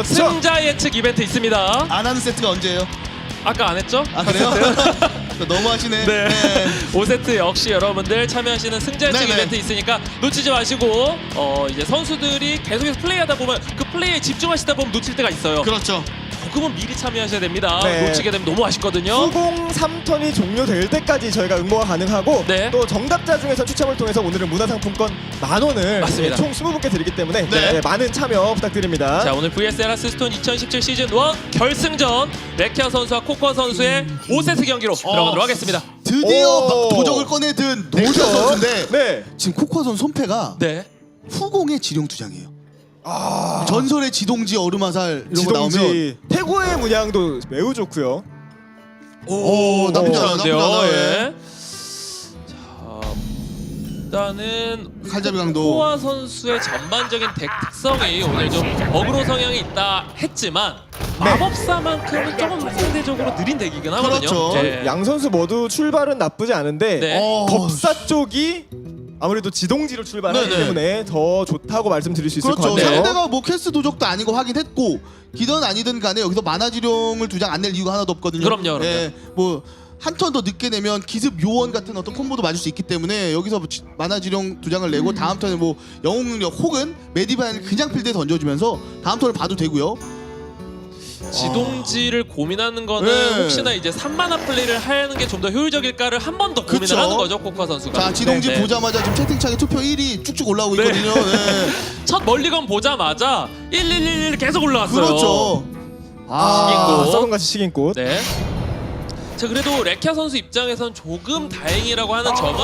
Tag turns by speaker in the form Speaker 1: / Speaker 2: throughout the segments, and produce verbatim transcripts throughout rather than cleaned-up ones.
Speaker 1: 그렇죠.
Speaker 2: 승자 예측 이벤트 있습니다.
Speaker 3: 안 하는 세트가 언제예요?
Speaker 2: 아까 안 했죠?
Speaker 3: 아 그래요? 너무 하시네.
Speaker 2: 네.
Speaker 3: 네.
Speaker 2: 오 세트 역시 여러분들 참여하시는 승자 예측
Speaker 3: 네네.
Speaker 2: 이벤트 있으니까 놓치지 마시고 어 이제 선수들이 계속해서 플레이하다 보면 그 플레이에 집중하시다 보면 놓칠 때가 있어요.
Speaker 3: 그렇죠.
Speaker 2: 조금은 미리 참여하셔야 됩니다.
Speaker 1: 네.
Speaker 2: 놓치게 되면 너무 아쉽거든요.
Speaker 1: 수공삼 턴이 종료될 때까지 저희가 응모가 가능하고
Speaker 2: 네.
Speaker 1: 또 정답자 중에서 추첨을 통해서 오늘은 문화상품권 만 원을
Speaker 2: 맞습니다.
Speaker 1: 총 스무 분께 드리기 때문에
Speaker 3: 네.
Speaker 1: 네, 많은 참여 부탁드립니다.
Speaker 2: 자, 오늘 브이에스 에라스스톤 이천십칠 시즌 일 결승전 레키아 선수와 코코아 선수의 오 세트 경기로 들어가도록 하겠습니다.
Speaker 3: 드디어
Speaker 1: 오.
Speaker 3: 도적을 꺼내든 도적
Speaker 1: 도적.
Speaker 3: 선수인데
Speaker 1: 네.
Speaker 3: 지금 코코아 선수 손패가
Speaker 2: 네.
Speaker 3: 후공의 지룡 두 장이에요.
Speaker 1: 아,
Speaker 3: 전설의 지동지 얼음화살 이런 거 나오면
Speaker 1: 지동지 태고의 문양도 매우 좋고요.
Speaker 3: 오, 나쁘지 않아요. 나쁘지
Speaker 2: 괜찮은데요.
Speaker 3: 않아요.
Speaker 2: 예. 자, 일단은
Speaker 3: 칼잡이 강도.
Speaker 2: 코코아 선수의 전반적인 덱 특성이 오늘 좀 어그로 성향이 있다 했지만 마법사만큼은 조금 상대적으로 느린 덱이긴 하거든요.
Speaker 3: 그렇죠.
Speaker 2: 예.
Speaker 1: 양 선수 모두 출발은 나쁘지 않은데
Speaker 2: 네.
Speaker 3: 어,
Speaker 1: 법사 쪽이 아무래도 지동지로 출발하기
Speaker 3: 네네.
Speaker 1: 때문에 더 좋다고 말씀드릴 수 있을
Speaker 3: 그렇죠.
Speaker 1: 것 같네요.
Speaker 3: 상대가 뭐 캐스 도적도 아니고 확인했고 기든 아니든 간에 여기서 만화지룡을 두 장 안 낼 이유가 하나도 없거든요.
Speaker 2: 그럼요, 그럼요.
Speaker 3: 예, 뭐 한 턴 더 늦게 내면 기습 요원 같은 어떤 콤보도 맞을 수 있기 때문에 여기서 뭐 지- 만화지룡 두 장을 내고 다음 턴에 뭐 영웅 능력 혹은 메디바인을 그냥 필드에 던져주면서 다음 턴을 봐도 되고요.
Speaker 2: 지동지를 고민하는 거는
Speaker 3: 네.
Speaker 2: 혹시나 이제 삼 마나 플레이를 하는 게 좀 더 효율적일까를 한 번 더 고민을
Speaker 3: 그쵸.
Speaker 2: 하는 거죠, 코코아 선수가.
Speaker 3: 자, 지동지
Speaker 2: 네, 네.
Speaker 3: 보자마자 지금 채팅창에 투표 일 위 쭉쭉 올라오고
Speaker 2: 네.
Speaker 3: 있거든요. 네.
Speaker 2: 첫 멀리건 보자마자 일일일일 계속 올라왔어요.
Speaker 3: 그렇죠.
Speaker 1: 아,
Speaker 2: 식인꽃.
Speaker 1: 썩은같이 식인꽃.
Speaker 2: 네. 자, 그래도 레키아 선수 입장에선 조금 다행이라고 하는 점은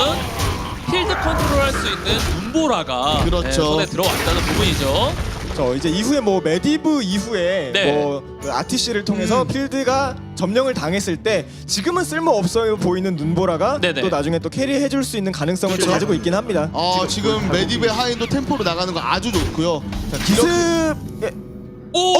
Speaker 2: 필드 컨트롤할 수 있는 눈보라가
Speaker 3: 그렇죠.
Speaker 2: 네, 손에 들어왔다는 부분이죠.
Speaker 1: 저 이제 이후에 뭐 메디브 이후에
Speaker 2: 네.
Speaker 1: 뭐그 아티씨를 통해서
Speaker 3: 음.
Speaker 1: 필드가 점령을 당했을 때 지금은 쓸모 없어 보이는 눈보라가
Speaker 2: 네네.
Speaker 1: 또 나중에 또 캐리해줄 수 있는 가능성을 또 가지고 있긴 합니다.
Speaker 3: 어, 지금 메디베 하인도 템포로 나가는 거 아주 좋고요. 자,
Speaker 1: 기습
Speaker 3: 기습.
Speaker 1: 예,
Speaker 2: 오!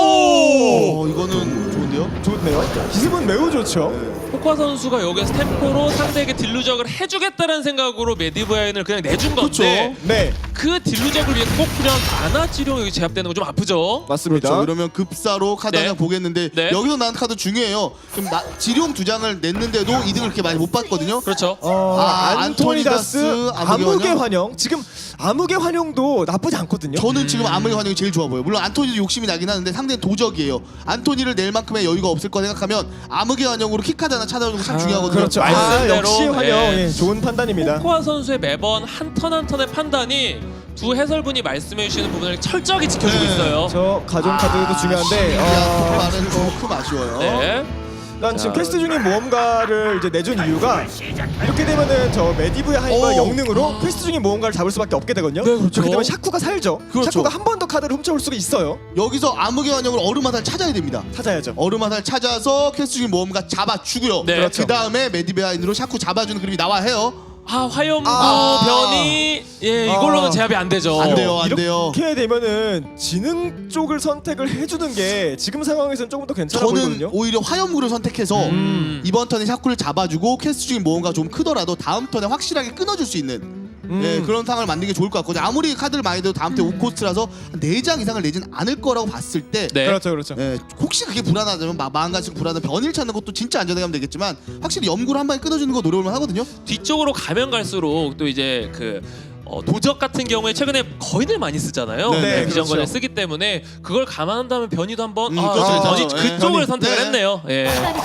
Speaker 3: 어, 이거는 좋은데요?
Speaker 1: 좋네요. 기습은 매우 좋죠.
Speaker 2: 코코아 선수가 여기서 템포로 상대에게 딜루적을 해주겠다는 생각으로 메디브야인을 그냥 내준 건데
Speaker 1: 네,
Speaker 2: 그 딜루적을 위해 꼭 필요한 만화 지룡 여기 제압되는 거 좀 아프죠?
Speaker 1: 맞습니다.
Speaker 3: 그렇죠. 그러면 급사로 카드
Speaker 2: 네.
Speaker 3: 한 장 보겠는데
Speaker 2: 네.
Speaker 3: 여기서 나온 카드 중요해요. 그럼 나, 지룡 두 장을 냈는데도 이득을 그렇게 많이 못 봤거든요.
Speaker 2: 그렇죠.
Speaker 1: 어,
Speaker 3: 아,
Speaker 1: 안토니다스,
Speaker 3: 안토니다스, 암흑의
Speaker 1: 암흑의
Speaker 3: 환영?
Speaker 1: 환영. 지금 암흑의 환영도 나쁘지 않거든요.
Speaker 3: 저는 지금 암흑의 환영이 제일 좋아 보여요. 물론 안토니도 욕심이 나긴 하는데 상대는 도적이에요. 안토니를 낼 만큼의 여유가 없을 거 생각하면 암흑의 환영으로 킥카드 하나 찾아오는 거 참 중요하거든요.
Speaker 1: 그렇죠. 아,
Speaker 2: 말씀대로,
Speaker 1: 역시 환영.
Speaker 2: 예.
Speaker 1: 예, 좋은 판단입니다.
Speaker 2: 코코아 선수의 매번 한 턴 한 턴의 판단이 두 해설분이 말씀해 주시는 부분을 철저하게 지켜주고
Speaker 3: 네.
Speaker 2: 있어요.
Speaker 1: 저 가정 카드도 중요한데
Speaker 3: 어...
Speaker 1: 어,
Speaker 3: 말은 조금 아쉬워요.
Speaker 2: 네.
Speaker 1: 난 지금
Speaker 2: 자.
Speaker 1: 퀘스트 중인 모험가를 이제 내준 이유가 이렇게 되면은 저 메디브의 하인과
Speaker 3: 오.
Speaker 1: 영능으로 퀘스트 중인 모험가를 잡을 수밖에 없게 되거든요.
Speaker 2: 네, 그렇죠.
Speaker 1: 그렇게 되면 샤쿠가 살죠.
Speaker 3: 그렇죠.
Speaker 1: 샤쿠가 한 번 더 카드를 훔쳐올 수가 있어요.
Speaker 3: 여기서 암흑의 환영을 얼음화살 찾아야 됩니다.
Speaker 1: 찾아야죠.
Speaker 3: 얼음화살 찾아서 캐스트 중인 모험가 잡아주고요.
Speaker 2: 네.
Speaker 1: 그렇죠.
Speaker 3: 그 다음에 메디베아인으로 샤쿠 잡아주는 그림이 나와야 해요.
Speaker 2: 아, 화염구
Speaker 3: 아.
Speaker 2: 변이 예 이걸로는
Speaker 1: 아.
Speaker 2: 제압이 안 되죠.
Speaker 3: 안 돼요, 안 돼요.
Speaker 1: 이렇게 되면은 지능 쪽을 선택을 해주는 게 지금 상황에서는 조금 더 괜찮아
Speaker 3: 저는
Speaker 1: 보이거든요.
Speaker 3: 오히려 화염구를 선택해서
Speaker 2: 음.
Speaker 3: 이번 턴에 샤쿠를 잡아주고 캐스트 중인 모험가 좀 크더라도 다음 턴에 확실하게 끊어줄 수 있는
Speaker 1: 음.
Speaker 3: 예, 그런 상황을 만드는 게 좋을 것 같거든요. 아무리 카드를 많이 내도 다음 턴에 오 코스트라서 네 장 이상을 내진 않을 거라고 봤을 때
Speaker 2: 네.
Speaker 1: 그렇죠, 그렇죠.
Speaker 3: 예, 혹시 그게 불안하다면 마, 마음가짐 불안한 변일 찾는 것도 진짜 안전하게 하면 되겠지만 확실히 염구를 한 방에 끊어주는 거 노려볼만 하거든요.
Speaker 2: 뒤쪽으로 가면 갈수록 또 이제 그 어, 도적 같은 경우에 최근에 거인을 많이 쓰잖아요.
Speaker 3: 네,
Speaker 1: 네,
Speaker 2: 비전권을
Speaker 1: 그렇죠.
Speaker 2: 쓰기 때문에 그걸 감안한다면 변이도 한번
Speaker 3: 음,
Speaker 2: 아,
Speaker 3: 그렇죠,
Speaker 2: 변이
Speaker 3: 그렇죠.
Speaker 2: 그쪽을
Speaker 3: 네.
Speaker 2: 선택을
Speaker 3: 네.
Speaker 2: 했네요. 예.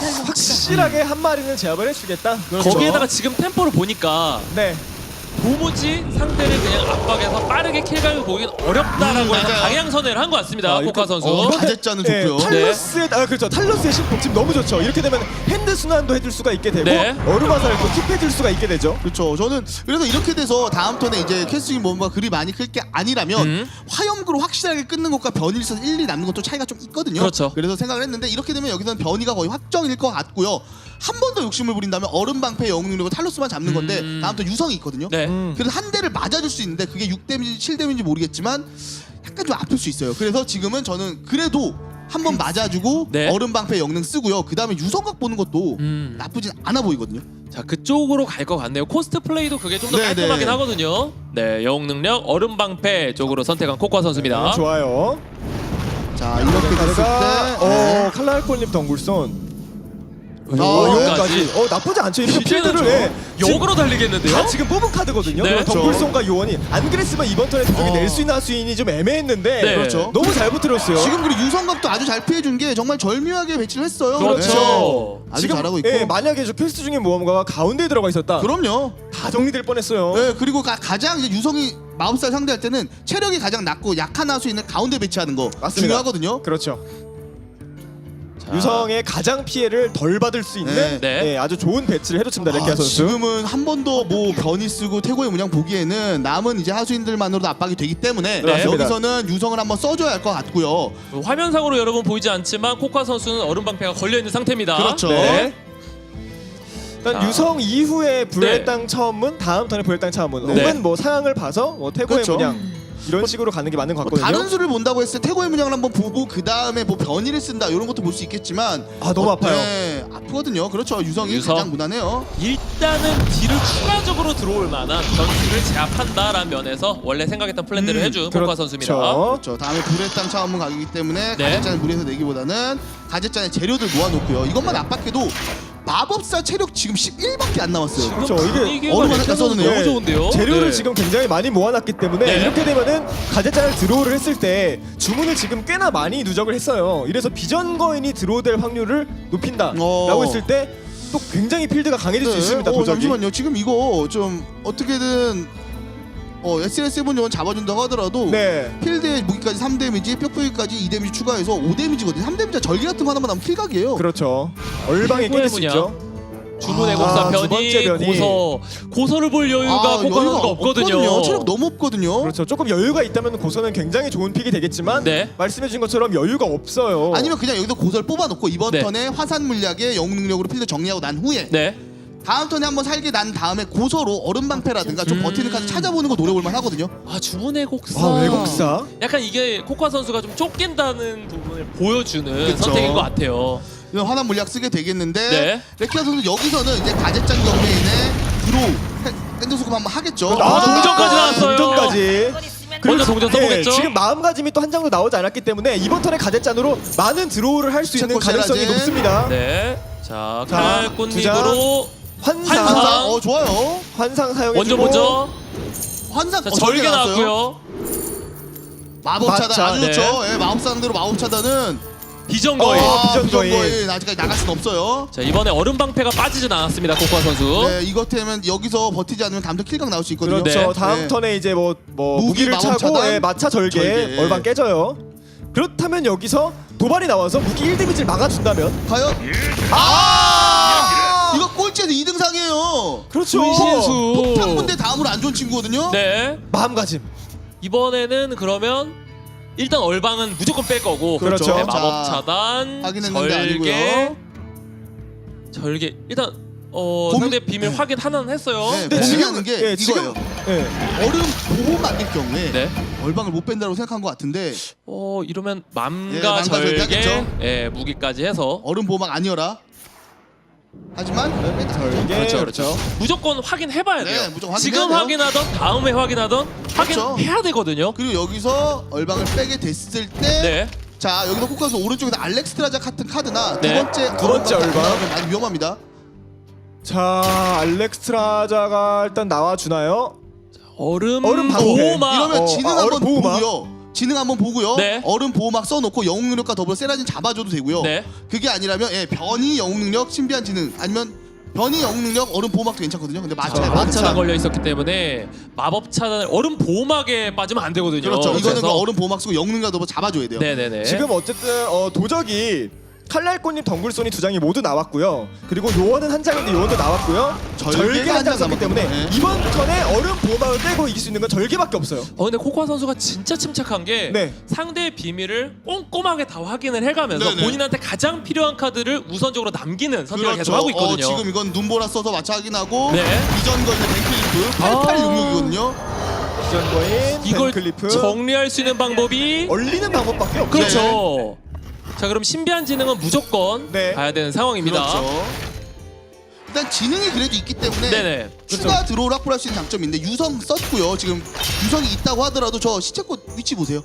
Speaker 1: 확실하게 한 마리는 제압을 해주겠다. 그렇죠.
Speaker 2: 거기에다가 지금 템포를 보니까
Speaker 1: 네.
Speaker 2: 도무지 상대를 그냥 압박해서 빠르게 킬각을 보긴 어렵다라고
Speaker 3: 음,
Speaker 2: 해서
Speaker 3: 맞아요.
Speaker 2: 방향 선회를 한 것 같습니다.
Speaker 1: 아,
Speaker 2: 코코아
Speaker 1: 이거-
Speaker 2: 선수.
Speaker 3: 어, 가젯자는
Speaker 1: 네,
Speaker 3: 좋고요.
Speaker 1: 탈러스의 아 그렇죠. 탈러스의 신폭 지금 너무 좋죠. 이렇게 되면 핸드 순환도 해줄 수가 있게 되고
Speaker 2: 네.
Speaker 1: 얼음화살도 킵해줄 수가 있게 되죠.
Speaker 3: 그렇죠. 저는 그래서 이렇게 돼서 다음 턴에 이제 캐스팅 뭔가 그리 많이 클 게 아니라면
Speaker 2: 음.
Speaker 3: 화염구로 확실하게 끊는 것과 변이에서 일, 이 남는 것도 차이가 좀 있거든요.
Speaker 2: 그렇죠.
Speaker 3: 그래서 생각을 했는데 이렇게 되면 여기서는 변이가 거의 확정일 것 같고요. 한 번 더 욕심을 부린다면 얼음 방패 영웅 능력을 탈로스만 잡는 건데
Speaker 2: 음.
Speaker 3: 다음 턴 유성이 있거든요.
Speaker 2: 네.
Speaker 1: 음.
Speaker 3: 그래서 한 대를 맞아줄 수 있는데 그게 육 데미지, 칠 데미지 모르겠지만 약간 좀 아플 수 있어요. 그래서 지금은 저는 그래도 한 번 맞아주고
Speaker 2: 네.
Speaker 3: 얼음 방패 영능 쓰고요. 그 다음에 유성각 보는 것도
Speaker 2: 음.
Speaker 3: 나쁘진 않아 보이거든요.
Speaker 2: 자, 그쪽으로 갈 것 같네요. 코스트 플레이도 그게 좀 더
Speaker 3: 네,
Speaker 2: 깔끔하긴
Speaker 3: 네.
Speaker 2: 하거든요. 네, 영웅 능력 얼음 방패 쪽으로 선택한 코코아 선수입니다.
Speaker 1: 네, 좋아요.
Speaker 3: 자, 자 이렇게 됐을
Speaker 1: 카드가
Speaker 3: 때
Speaker 1: 어 칼날콜님 덩굴손.
Speaker 3: 아,
Speaker 1: 어,
Speaker 2: 요원까지.
Speaker 1: 요원까지. 어 나쁘지 않죠. 이렇게
Speaker 2: 이제는
Speaker 1: 필드를 예,
Speaker 2: 좀 역으로 달리겠는데요?
Speaker 1: 다 지금 뽑은 카드거든요.
Speaker 2: 네.
Speaker 1: 그리고 덩굴손과 요원이 안 그랬으면 이번 턴에 두종이
Speaker 3: 어.
Speaker 1: 낼 수 있나 수인이 좀 애매했는데
Speaker 2: 네.
Speaker 3: 그렇죠.
Speaker 1: 너무 잘 붙들었어요.
Speaker 3: 지금 그리고 유성각도 아주 잘 피해준 게 정말 절묘하게 배치를 했어요.
Speaker 2: 그렇죠.
Speaker 3: 네. 아주
Speaker 1: 지금,
Speaker 3: 잘하고 있고.
Speaker 1: 예, 만약에 저 필수 중인 모험가가 가운데에 들어가 있었다.
Speaker 3: 그럼요.
Speaker 1: 다 정리될 뻔했어요.
Speaker 3: 네, 그리고 가, 가장 이제 유성이 마법사를 상대할 때는 체력이 가장 낮고 약한 하수인을 가운데 배치하는 거
Speaker 1: 맞습니다.
Speaker 3: 중요하거든요.
Speaker 1: 그렇죠.
Speaker 2: 자,
Speaker 1: 유성의 가장 피해를 덜 받을 수 있는
Speaker 3: 네.
Speaker 2: 네.
Speaker 1: 예, 아주 좋은 배치를 해줬습니다. 레키아
Speaker 3: 아,
Speaker 1: 선수.
Speaker 3: 지금은 한 번 더 뭐 변이 쓰고 태고의 문양 보기에는 남은 이제 하수인들만으로도 압박이 되기 때문에
Speaker 1: 네.
Speaker 3: 여기서는 유성을 한번 써줘야 할 것 같고요.
Speaker 2: 그 화면상으로 여러분 보이지 않지만 코카 선수는 얼음 방패가 걸려 있는 상태입니다.
Speaker 3: 그렇죠.
Speaker 1: 네. 일단
Speaker 2: 자.
Speaker 1: 유성 이후에 불의
Speaker 2: 네.
Speaker 1: 땅 차원문, 다음 턴에 불의 땅 차원문,
Speaker 3: 네.
Speaker 1: 혹은 뭐 상황을 봐서 뭐 태고의
Speaker 3: 그렇죠.
Speaker 1: 문양 이런 식으로 가는 게 맞는 것
Speaker 3: 뭐
Speaker 1: 같거든요.
Speaker 3: 다른 수를 본다고 했을 때 태고의 문양을 한번 보고 그 다음에 뭐 변이를 쓴다 이런 것도 볼 수 있겠지만
Speaker 1: 아, 너무 아파요.
Speaker 3: 네, 아프거든요. 그렇죠. 유성이
Speaker 2: 유성.
Speaker 3: 가장 무난해요.
Speaker 2: 일단은 뒤를 추가적으로 들어올 만한 전술을 제압한다라는 면에서 원래 생각했던 플랜대로
Speaker 1: 음,
Speaker 2: 해준
Speaker 1: 그렇죠.
Speaker 2: 코카 선수입니다.
Speaker 3: 그렇죠. 다음에 불의 땅 차원문 가기이기 때문에
Speaker 2: 네.
Speaker 3: 가젯잔을 물에서 내기보다는 가젯잔에 재료들 모아놓고요. 이것만 압박해도 마법사 체력 지금 십일밖에 안 남았어요.
Speaker 2: 지금
Speaker 1: 그렇죠. 이게
Speaker 2: 분위기가
Speaker 3: 얼음 하나
Speaker 2: 레키아 선수
Speaker 3: 땄었네요.
Speaker 2: 너무 좋은데요.
Speaker 1: 재료를
Speaker 2: 네.
Speaker 1: 지금 굉장히 많이 모아놨기 때문에
Speaker 2: 네.
Speaker 1: 이렇게 되면은 가젯잔을 드로우를 했을 때 주문을 지금 꽤나 많이 누적을 했어요. 이래서 비전 거인이 드로우될 확률을 높인다라고
Speaker 3: 어.
Speaker 1: 했을 때 또 굉장히 필드가 강해질 수 있습니다.
Speaker 3: 어,
Speaker 1: 도적이.
Speaker 3: 잠시만요. 지금 이거 좀 어떻게든 어, 에스엘에스 세븐 요원 잡아준다고 하더라도
Speaker 1: 네.
Speaker 3: 필드의 무기까지 삼 데미지, 뼈부위까지 이 데미지 추가해서 오 데미지거든요. 삼 데미지가 절개 같은 거 하나만 하면 킬각이에요.
Speaker 1: 그렇죠. 얼방에
Speaker 2: 최고의
Speaker 1: 깨질 수
Speaker 2: 분야.
Speaker 1: 있죠.
Speaker 2: 주문의
Speaker 3: 아,
Speaker 2: 곡사
Speaker 1: 두 번째
Speaker 2: 변이,
Speaker 1: 변이.
Speaker 2: 고서 고서를 볼 여유가
Speaker 3: 아,
Speaker 2: 코카
Speaker 3: 여유가
Speaker 2: 선수가 없거든요.
Speaker 3: 체력 너무 없거든요.
Speaker 1: 그렇죠. 조금 여유가 있다면 고선은 굉장히 좋은 픽이 되겠지만
Speaker 2: 네.
Speaker 1: 말씀해주신 것처럼 여유가 없어요.
Speaker 3: 아니면 그냥 여기서 고설 뽑아놓고 이번
Speaker 2: 네.
Speaker 3: 턴에 화산 물약의 영웅 능력으로 필드 정리하고 난 후에
Speaker 2: 네.
Speaker 3: 다음 턴에 한번 살게 난 다음에 고서로 얼음 방패라든가 좀
Speaker 2: 음.
Speaker 3: 버티는 카드 찾아보는 거 노려볼만 하거든요.
Speaker 2: 아 주문의 곡사.
Speaker 1: 아, 외국사.
Speaker 2: 약간 이게 코카 선수가 좀 쫓긴다는 부분을 보여주는
Speaker 3: 그쵸.
Speaker 2: 선택인 것 같아요.
Speaker 3: 이런 화난 물약 쓰게 되겠는데
Speaker 2: 네.
Speaker 3: 레키아 선수 여기서는 이제 가젯잔 경매인의 드로우 핸드 소금 한번 하겠죠.
Speaker 2: 아, 동전까지 나왔어요.
Speaker 1: 동전까지.
Speaker 2: 먼저 동전 써보겠죠?
Speaker 1: 예, 지금 마음가짐이 또 한 장도 나오지 않았기 때문에 이번 턴에 가젯잔으로 많은 드로우를 할 수 있는
Speaker 3: 체코
Speaker 1: 가능성이
Speaker 3: 쉐라제.
Speaker 1: 높습니다.
Speaker 2: 네. 자,
Speaker 1: 자,
Speaker 2: 칼날꽃잎으로
Speaker 1: 환상,
Speaker 2: 환상.
Speaker 3: 환상 어 좋아요.
Speaker 1: 환상 사용해주고
Speaker 2: 먼저 먼저
Speaker 3: 환상
Speaker 2: 자,
Speaker 3: 어,
Speaker 2: 절개
Speaker 3: 나왔어요.
Speaker 2: 나왔고요.
Speaker 3: 마법
Speaker 1: 마차,
Speaker 3: 차단 아주
Speaker 2: 네.
Speaker 3: 좋죠. 예, 마법 상대로 마법 차단은
Speaker 2: 비전 거인.
Speaker 1: 어,
Speaker 3: 아,
Speaker 1: 비전
Speaker 3: 비전
Speaker 1: 거인.
Speaker 3: 거인 아직까지 나갈 순 없어요.
Speaker 2: 자, 이번에 얼음 방패가 빠지진 않았습니다. 코카 선수.
Speaker 3: 네, 이것 때문에 여기서 버티지 않으면 다음 턴 킬각 나올 수 있거든요.
Speaker 1: 그렇죠.
Speaker 2: 네.
Speaker 1: 다음
Speaker 3: 네.
Speaker 1: 턴에 이제 뭐, 뭐
Speaker 3: 무기,
Speaker 1: 무기를
Speaker 3: 마법
Speaker 1: 차고
Speaker 3: 차단,
Speaker 1: 예, 마차 절개,
Speaker 3: 절개.
Speaker 1: 얼방 깨져요. 그렇다면 여기서 도발이 나와서 무기 일 데미지를 막아준다면
Speaker 3: 과연
Speaker 1: 아!
Speaker 3: 이거 꼴찌에서 이 등상이에요.
Speaker 1: 그렇죠.
Speaker 2: 분신수.
Speaker 3: 폭탄군대 다음으로 안 좋은 친구거든요.
Speaker 2: 네.
Speaker 1: 마음가짐.
Speaker 2: 이번에는 그러면 일단 얼방은 무조건 뺄 거고.
Speaker 1: 그렇죠.
Speaker 2: 네, 마법
Speaker 3: 자,
Speaker 2: 차단.
Speaker 3: 확인했는데
Speaker 2: 절개.
Speaker 3: 아니고요.
Speaker 2: 절개. 일단 어
Speaker 3: 고민-
Speaker 2: 상대 비밀
Speaker 3: 네.
Speaker 2: 확인 하나는 했어요.
Speaker 3: 네,
Speaker 1: 근데
Speaker 3: 고민하는
Speaker 1: 지금-
Speaker 3: 게
Speaker 1: 예, 지금-
Speaker 3: 이거예요.
Speaker 1: 예.
Speaker 3: 얼음 보호 만들 경우에
Speaker 2: 네.
Speaker 3: 얼방을 못 뺀다고 생각한 것 같은데
Speaker 2: 어 이러면
Speaker 3: 예,
Speaker 2: 맘과
Speaker 3: 맘과 절개
Speaker 2: 절개,
Speaker 3: 하겠죠.
Speaker 2: 예 무기까지 해서
Speaker 3: 얼음 보호막 아니어라. 하지만
Speaker 1: 절개.
Speaker 2: 그렇죠,
Speaker 1: 그렇죠.
Speaker 2: 무조건 확인해봐야
Speaker 3: 네,
Speaker 2: 돼요.
Speaker 3: 무조건 확인해야
Speaker 2: 지금
Speaker 3: 돼요.
Speaker 2: 확인하던 다음에 확인하던
Speaker 3: 그렇죠.
Speaker 2: 확인해야 되거든요.
Speaker 3: 그리고 여기서 얼방을 빼게 됐을 때
Speaker 2: 네.
Speaker 3: 자 여기서 코카스 오른쪽에서 알렉스트라자 같은 카드나
Speaker 2: 네.
Speaker 3: 두 번째
Speaker 1: 두 번째
Speaker 3: 얼방
Speaker 1: 얼방.
Speaker 3: 나오면 많이 위험합니다.
Speaker 1: 자, 알렉스트라자가 일단 나와주나요?
Speaker 2: 얼음,
Speaker 1: 얼음 방패.
Speaker 2: 보호막.
Speaker 3: 이러면
Speaker 1: 어,
Speaker 3: 지능
Speaker 1: 아,
Speaker 3: 한번
Speaker 1: 얼음 보호막.
Speaker 3: 보고요. 지능 한번 보고요.
Speaker 2: 네.
Speaker 3: 얼음 보호막 써놓고 영웅 능력과 더불어 세라진 잡아줘도 되고요.
Speaker 2: 네.
Speaker 3: 그게 아니라면 예, 변이 영웅 능력, 신비한 지능 아니면 변이 영웅 능력, 얼음 보호막도 괜찮거든요. 근데 마차
Speaker 1: 자,
Speaker 3: 마차
Speaker 2: 마차가 걸려 있었기 때문에 마법 차단 얼음 보호막에 빠지면 안 되거든요.
Speaker 3: 그렇죠. 이거는 그
Speaker 2: 그래서-
Speaker 3: 얼음 보호막 쓰고 영웅 능력과 더불어 잡아줘야 돼요.
Speaker 2: 네네네.
Speaker 1: 지금 어쨌든 어, 도적이 칼날꽃잎 덩굴손이 두 장이 모두 나왔고요. 그리고 요원은 한 장인데 요원도 나왔고요.
Speaker 3: 절개가
Speaker 1: 절개 한
Speaker 3: 한
Speaker 1: 장
Speaker 3: 장
Speaker 1: 썼기 때문에
Speaker 3: 남았거든요. 네.
Speaker 1: 이번 턴에 얼음 보호막을 떼고 이길 수 있는 건 절개밖에 없어요.
Speaker 2: 어 근데 코코아 선수가 진짜 침착한 게
Speaker 1: 네.
Speaker 2: 상대의 비밀을 꼼꼼하게 다 확인을 해가면서
Speaker 3: 네네.
Speaker 2: 본인한테 가장 필요한 카드를 우선적으로 남기는 선택을 계속
Speaker 3: 그렇죠.
Speaker 2: 하고 있거든요.
Speaker 3: 어, 지금 이건 눈보라 써서 마차 확인하고
Speaker 2: 네.
Speaker 3: 이전 거인의 뱅클리프
Speaker 2: 아.
Speaker 3: 팔팔육육이거든요.
Speaker 1: 비전거인,
Speaker 2: 이걸
Speaker 1: 벤클리프
Speaker 2: 정리할 수 있는 방법이
Speaker 1: 얼리는 방법밖에 없죠.
Speaker 2: 그렇죠. 자 그럼 신비한 지능은 무조건
Speaker 1: 네.
Speaker 2: 가야 되는 상황입니다.
Speaker 3: 그렇죠. 일단 지능이 그래도 있기 때문에
Speaker 2: 네네.
Speaker 3: 추가 드로우 확보할 수 있는 장점인데 유성 썼고요. 지금 유성이 있다고 하더라도 저 시체꽃 위치 보세요.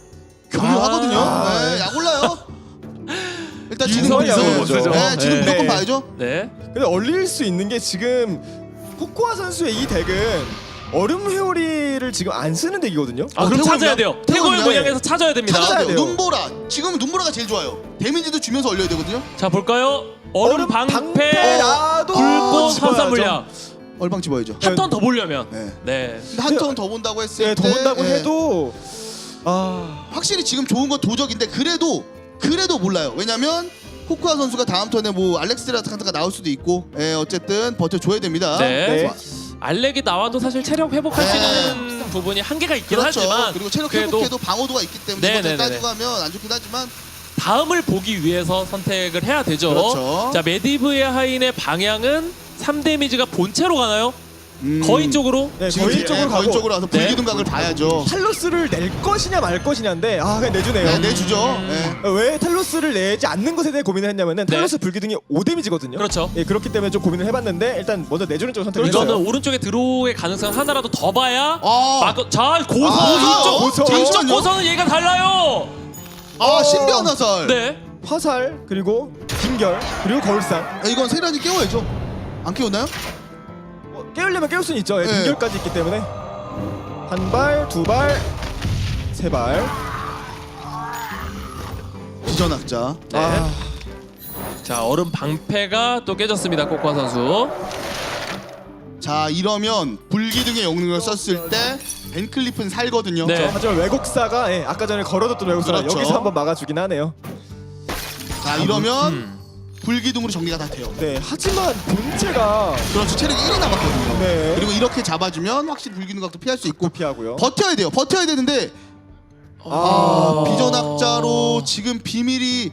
Speaker 3: 교묘하거든요.
Speaker 1: 아.
Speaker 3: 네, 약 올라요. 일단 지는
Speaker 1: 유성이
Speaker 3: 거
Speaker 1: 약을
Speaker 3: 보죠.
Speaker 1: 보죠.
Speaker 3: 네, 지는
Speaker 2: 네.
Speaker 3: 무조건 봐야죠.
Speaker 2: 네.
Speaker 1: 근데 얼릴 수 있는 게 지금 코코아 선수의 이 덱은 얼음 회오리를 지금 안 쓰는 덱이거든요.
Speaker 2: 아 그럼
Speaker 3: 태국이요?
Speaker 2: 찾아야 돼요. 태고의
Speaker 3: 태국이요?
Speaker 2: 모양에서 찾아야 됩니다.
Speaker 3: 찾아야 돼요.
Speaker 1: 돼요.
Speaker 3: 눈보라. 지금 눈보라가 제일 좋아요. 데미지도 주면서 얼려야 되거든요.
Speaker 2: 자 볼까요? 얼음
Speaker 1: 얼음
Speaker 2: 방패,
Speaker 1: 방패라도
Speaker 2: 불꽃
Speaker 1: 집어야죠.
Speaker 2: 화살 물량
Speaker 3: 얼방 집어야죠.
Speaker 2: 한 턴 더 보려면
Speaker 3: 네.
Speaker 2: 네.
Speaker 3: 근데 한 턴 더 본다고 했을
Speaker 1: 네,
Speaker 3: 때
Speaker 1: 더 본다고
Speaker 3: 예,
Speaker 1: 해도 아
Speaker 3: 확실히 지금 좋은 건 도적인데 그래도 그래도 몰라요. 왜냐면 코코아 선수가 다음 턴에 뭐 알렉스라칸트가 나올 수도 있고 예, 어쨌든 버텨줘야 됩니다.
Speaker 2: 네.
Speaker 1: 네.
Speaker 2: 알렉이 나와도 사실 체력 회복할 수
Speaker 3: 네.
Speaker 2: 있는 부분이 한계가 있긴
Speaker 3: 그렇죠.
Speaker 2: 하지만
Speaker 3: 그리고 체력
Speaker 2: 그래도
Speaker 3: 회복해도 방어도가 있기 때문에
Speaker 2: 네,
Speaker 3: 이것들
Speaker 2: 네, 네,
Speaker 3: 따지고 하면 안 좋긴 하지만
Speaker 2: 다음을 보기 위해서 선택을 해야 되죠.
Speaker 3: 그렇죠.
Speaker 2: 자 메디브의 하인의 방향은 삼 데미지가 본체로 가나요?
Speaker 3: 음,
Speaker 2: 거인 쪽으로?
Speaker 1: 네,
Speaker 3: 지금
Speaker 1: 거인
Speaker 3: 예,
Speaker 1: 쪽으로
Speaker 3: 거인
Speaker 1: 가고
Speaker 3: 쪽으로 와서
Speaker 2: 네.
Speaker 3: 불기둥각을 봐야죠.
Speaker 1: 탈로스를 낼 것이냐 말 것이냐인데 아 그냥 내주네요.
Speaker 3: 네, 내주죠.
Speaker 2: 음.
Speaker 3: 네.
Speaker 1: 왜 탈로스를 내지 않는 것에 대해 고민을 했냐면은
Speaker 2: 네.
Speaker 1: 탈로스 불기둥이 오 데미지거든요.
Speaker 2: 그렇죠.
Speaker 1: 예, 그렇기 때문에 좀 고민을 해봤는데 일단 먼저 내주는 쪽을 선택을
Speaker 2: 이거는
Speaker 1: 했어요.
Speaker 2: 오른쪽에 들어오의 가능성 하나라도 더 봐야
Speaker 3: 아,
Speaker 2: 막, 자 고서
Speaker 3: 아,
Speaker 2: 이쪽
Speaker 1: 고서.
Speaker 2: 이쪽
Speaker 3: 잠시만요.
Speaker 2: 고서는 얘가 달라요.
Speaker 3: 아 신비한 화살.
Speaker 2: 네.
Speaker 1: 화살 그리고 빙결 그리고 거울상
Speaker 3: 네, 이건 세란이 깨워야죠. 안 깨웠나요?
Speaker 1: 뭐, 깨우려면 깨울 수는 있죠. 예,
Speaker 3: 네.
Speaker 1: 빙결까지 있기 때문에 한 발, 두 발, 세 발.
Speaker 3: 비전학자.
Speaker 2: 네.
Speaker 1: 아,
Speaker 2: 자 얼음 방패가 또 깨졌습니다. 코코아 선수.
Speaker 3: 자 이러면 불기둥의 영능을 썼을 때 벤클리프는 살거든요.
Speaker 2: 네.
Speaker 1: 하지만 왜곡사가 예, 아까 전에 걸어뒀던 왜곡사가
Speaker 3: 그렇죠.
Speaker 1: 여기서 한번 막아주긴 하네요.
Speaker 3: 자 이러면
Speaker 2: 음.
Speaker 3: 불기둥으로 정리가 다 돼요.
Speaker 1: 네, 하지만 본체가
Speaker 3: 그렇죠. 체력이 일이 남았거든요.
Speaker 1: 네.
Speaker 3: 그리고 이렇게 잡아주면 확실히 불기둥각도 피할 수 있고
Speaker 1: 피하고요.
Speaker 3: 버텨야 돼요. 버텨야 되는데
Speaker 1: 아,
Speaker 3: 비전학자로 지금 비밀이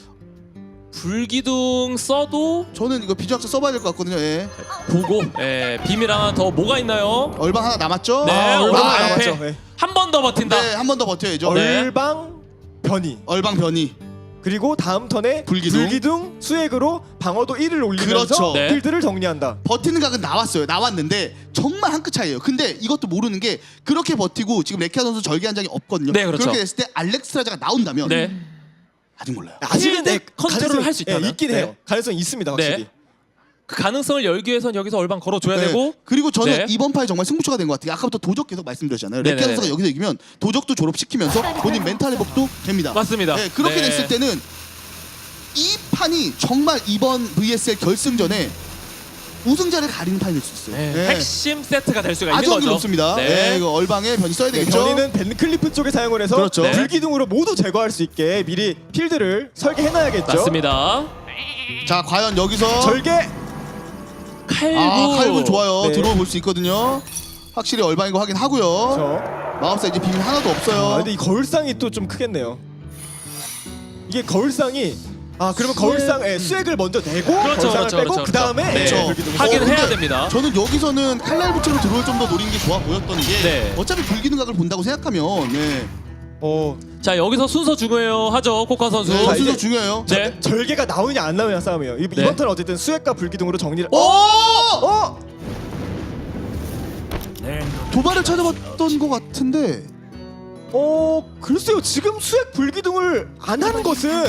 Speaker 2: 불기둥 써도
Speaker 3: 저는 이거 비전학자 써봐야 될 것 같거든요. 예.
Speaker 2: 보고 예, 비밀 하나 더 뭐가 있나요?
Speaker 3: 얼방 하나 남았죠?
Speaker 2: 네,
Speaker 1: 아,
Speaker 2: 얼음
Speaker 1: 얼방
Speaker 2: 방패
Speaker 1: 남았죠. 네.
Speaker 2: 한 번 더 버틴다.
Speaker 3: 네, 한 번 더 버텨야죠.
Speaker 2: 네.
Speaker 1: 얼방 변이
Speaker 3: 얼방 변이.
Speaker 1: 그리고 다음 턴에
Speaker 3: 불기둥.
Speaker 1: 불기둥 수액으로 방어도 일을 올리면서
Speaker 3: 그렇죠.
Speaker 2: 네.
Speaker 1: 필드를 정리한다.
Speaker 3: 버티는 각은 나왔어요. 나왔는데 정말 한 끗 차이예요. 근데 이것도 모르는 게 그렇게 버티고 지금 레키아 선수 절개 한 장이 없거든요.
Speaker 2: 네, 그렇죠.
Speaker 3: 그렇게 됐을 때 알렉스라자가 나온다면
Speaker 2: 네.
Speaker 3: 아직 몰라요.
Speaker 1: 아직은 네,
Speaker 2: 컨트롤을
Speaker 1: 가능성이-
Speaker 2: 할수 있다면?
Speaker 1: 예, 있긴
Speaker 2: 네.
Speaker 1: 해요. 가능성이 있습니다, 확실히.
Speaker 2: 네. 그 가능성을 열기 위해선 여기서 얼방 걸어줘야
Speaker 3: 네.
Speaker 2: 되고
Speaker 3: 그리고 저는
Speaker 2: 네.
Speaker 3: 이번 판이 정말 승부처가 된 것 같아요. 아까부터 도적 계속 말씀드렸잖아요. 레키아
Speaker 2: 네네네.
Speaker 3: 선수가 여기서 이기면 도적도 졸업시키면서 본인 멘탈 회복도 됩니다.
Speaker 2: 맞습니다.
Speaker 3: 네, 그렇게
Speaker 2: 네.
Speaker 3: 됐을 때는 이 판이 정말 이번 브이에스엘 결승전에 우승자를 가리는 판이 될 수 있어요.
Speaker 2: 네,
Speaker 3: 네.
Speaker 2: 핵심 세트가 될 수가 있는
Speaker 3: 아주
Speaker 2: 거죠.
Speaker 3: 확률 높습니다.
Speaker 2: 네.
Speaker 3: 네, 이거 얼방에 변이 써야
Speaker 1: 네,
Speaker 3: 되겠죠.
Speaker 1: 변이는 벤클리프 쪽에 사용을 해서
Speaker 3: 그렇죠.
Speaker 2: 네.
Speaker 1: 불기둥으로 모두 제거할 수 있게 미리 필드를 설계해놔야겠죠.
Speaker 2: 맞습니다.
Speaker 3: 자, 과연 여기서
Speaker 1: 절개.
Speaker 2: 칼부.
Speaker 3: 아, 칼부 좋아요.
Speaker 1: 네.
Speaker 3: 들어와 볼 수 있거든요. 확실히 얼방인 거 확인하고요.
Speaker 1: 저.
Speaker 3: 마법사 이제 비밀 하나도 없어요.
Speaker 1: 아, 근데 이 거울상이 또 좀 크겠네요. 이게 거울상이 아 그러면 거울상 예, 수액을 먼저 내고
Speaker 2: 그렇죠,
Speaker 1: 거울상을
Speaker 2: 그렇죠,
Speaker 1: 빼고
Speaker 2: 그렇죠,
Speaker 1: 그 다음에
Speaker 2: 그렇죠. 네.
Speaker 1: 불기둥을
Speaker 2: 하긴
Speaker 3: 어,
Speaker 2: 해야
Speaker 3: 근데
Speaker 2: 됩니다.
Speaker 3: 저는 여기서는 칼날 부처로 들어올 좀 더 노린 게 좋아 보였던 게
Speaker 2: 네.
Speaker 3: 어차피 불기둥각을 본다고 생각하면 네.
Speaker 1: 어
Speaker 2: 자 여기서 순서 중요해요 하죠 코코아 선수.
Speaker 3: 네,
Speaker 1: 자,
Speaker 3: 순서
Speaker 1: 이제-
Speaker 3: 중요해요.
Speaker 2: 네.
Speaker 1: 절개가 나오냐 안 나오냐 싸움이에요. 이,
Speaker 2: 네.
Speaker 1: 이번 턴 어쨌든 수액과 불기둥으로 정리를.
Speaker 3: 오!
Speaker 1: 어?
Speaker 3: 도발을 찾아봤던 것 같은데
Speaker 1: 어 글쎄요 지금 수액 불기둥을 안 하는 것은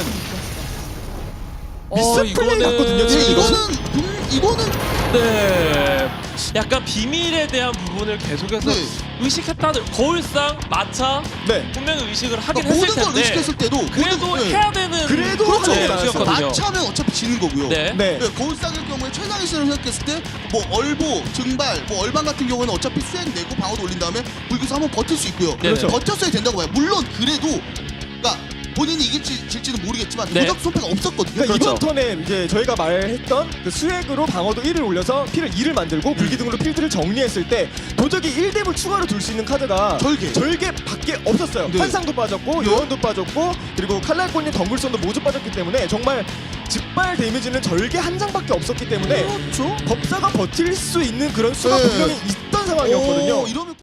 Speaker 1: 미스 플레이
Speaker 2: 이거는-
Speaker 1: 같거든요.
Speaker 3: 네,
Speaker 1: 지금
Speaker 3: 이거는 음, 이거는
Speaker 2: 네. 약간 비밀에 대한 부분을 계속해서
Speaker 3: 네.
Speaker 2: 의식했다는 거울상 마차
Speaker 1: 네.
Speaker 2: 분명히 의식을 하긴
Speaker 3: 그러니까
Speaker 2: 했을
Speaker 3: 모든 걸
Speaker 2: 텐데
Speaker 3: 의식했을 때도
Speaker 2: 그래도
Speaker 3: 모든, 네.
Speaker 2: 해야 되는
Speaker 1: 그래도
Speaker 2: 그렇죠.
Speaker 1: 하는 게
Speaker 2: 네,
Speaker 1: 나았어요.
Speaker 2: 거든요.
Speaker 3: 마차면 어차피 지는 거고요.
Speaker 2: 네.
Speaker 1: 네.
Speaker 3: 네, 거울상일 경우에 최상위 수를 생각했을 때 뭐 얼보, 증발, 뭐 얼방 같은 경우에는 어차피 수액 내고 방어도 올린 다음에 불기수 한번 버틸 수 있고요.
Speaker 2: 그렇죠.
Speaker 3: 버텼어야 된다고 봐요. 물론 그래도 그러니까 본인이 이길지 질지는 모르겠지만
Speaker 2: 네.
Speaker 3: 도적 손패가 없었거든요.
Speaker 1: 그러니까
Speaker 2: 그렇죠.
Speaker 1: 이번 턴에 이제 저희가 말했던 그 수액으로 방어도 일을 올려서 피를 이를 만들고 불기둥으로 필드를 정리했을 때 도적이 일 뎀을 추가로 둘 수 있는 카드가
Speaker 3: 절개.
Speaker 1: 절개밖에 없었어요.
Speaker 3: 네.
Speaker 1: 환상도 빠졌고 요원도 빠졌고 그리고 칼날꽃님 덩굴선도 모두 빠졌기 때문에 정말 직발 데미지는 절개 한 장밖에 없었기 때문에
Speaker 3: 그렇죠.
Speaker 1: 법사가 버틸 수 있는 그런 수가
Speaker 3: 네.
Speaker 1: 분명히 있던 상황이었거든요.
Speaker 3: 오, 이러면